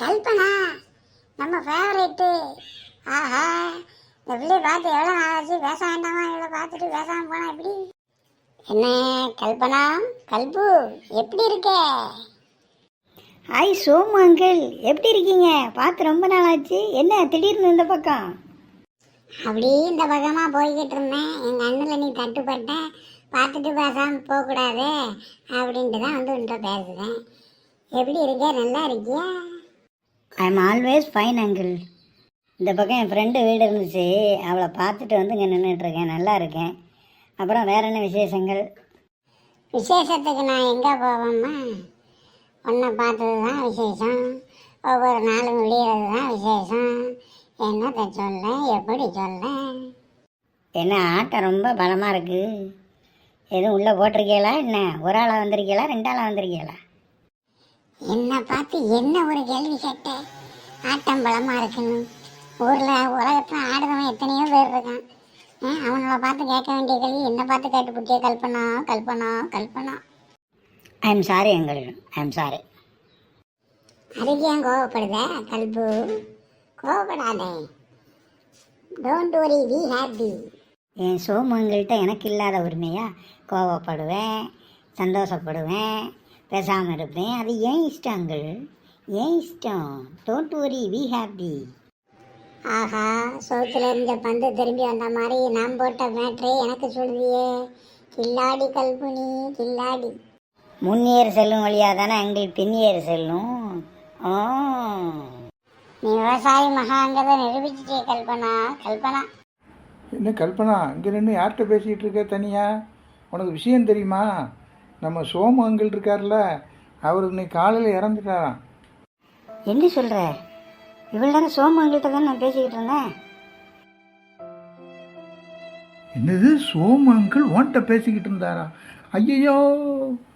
கல்பனா நம்ம ஃபேவரேட்டு. ஆஹா, இந்த பிள்ளைய பார்த்து எவ்வளோ நாளாச்சு, பேச வேண்டாமா? இவ்வளோ பார்த்துட்டு பேசாமல் போனா எப்படி? என்ன கல்பனா, கல்பு எப்படி இருக்க? ஹாய் சோமு அங்கிள், எப்படி இருக்கீங்க? பார்த்து ரொம்ப நாள் ஆச்சு. என்ன திடீர்னு இந்த பக்கம்? அப்படி இந்த பக்கமாக போய்கிட்டு இருந்தேன். எங்கள் அண்ணில் நீ தட்டுப்பட்ட, பார்த்துட்டு பேசாமல் போகக்கூடாது அப்படின்ட்டு தான் வந்து உன்கிட்ட பேசுகிறேன். எப்படி இருக்க? நல்லா இருக்கியா? I am always fine uncle. இந்த பக்கம் என் ஃப்ரெண்டு வீடு இருந்துச்சு, அவளை பார்த்துட்டு வந்து இங்கே நின்றுட்டுருக்கேன். நல்லா இருக்கேன். அப்புறம் வேற என்ன விசேஷங்கள்? விசேஷத்துக்கு நான் எங்கே போவேம்மா? உன்னை பார்த்தது தான் விசேஷம். ஒவ்வொரு நாளும் விடியறது தான் விசேஷம். என்னத்தை சொல்ல, எப்படி சொல்ல? என்ன ஆட்டம் ரொம்ப பலமாக இருக்குது. எதுவும் உள்ளே போட்டிருக்கீங்களா? என்ன ஒரு ஆளாக வந்திருக்கீங்களா, ரெண்டு ஆளாக வந்திருக்கீங்களா? என்னை பார்த்து என்ன ஒரு கேள்வி கேட்ட? ஆட்டம் பலமாக இருக்குன்னு. ஊரில் உலகத்தில் ஆடுறவன் எத்தனையோ பேர் இருக்கான். அவங்கள பார்த்து கேட்க வேண்டிய கேள்வி என்னை பார்த்து கேட்டு பிடிச்ச Kalpana Kalpana Kalpana. I am sorry uncle, I am sorry. அதுக்கு ஏன் கோவப்படுத கல்பு? கோவப்படாதே. Don't worry, we happy. என் சோமு அங்கிள்கிட்ட எனக்கு இல்லாத உரிமையா? கோவப்படுவேன், சந்தோஷப்படுவேன், பேசாமல் இருப்பேன். அது ஏன் இஷ்டம் அங்கிள், ஏன் இஷ்டம். Don't worry, we happy. ஆஹா, சோத்துல இருந்த பந்து திரும்பி வந்த மாதிரி நான் போட்ட மேட்ரே எனக்கு சொல்லுதியே. கில்லாடி கல்புனி, கில்லாடி. முன்னேறு செல்லும் வழியாக தானே அங்கிள் பின்னேறு செல்லும். ஓ, நீ விவசாயி மகாங்கிறத நிரூபிச்சிட்டே கல்பனா கல்பனா. என்ன கல்பனா, இங்கே நின்று யார்கிட்ட பேசிகிட்டு இருக்க தனியா? உனக்கு விஷயம் தெரியுமா? நம்ம சோமு அங்கிள் இருக்கார்ல, அவர் இன்னைக்கு காலையில் இறந்துட்டாராம். என்ன சொல்கிற? இவ்வளோ நேரம் சோமு அங்கிள்கிட்ட தான் நான் பேசிக்கிட்டு இருந்தேன். என்னது, சோமு அங்கிள் உன்கிட்ட பேசிக்கிட்டு இருந்தாரா? ஐயோ,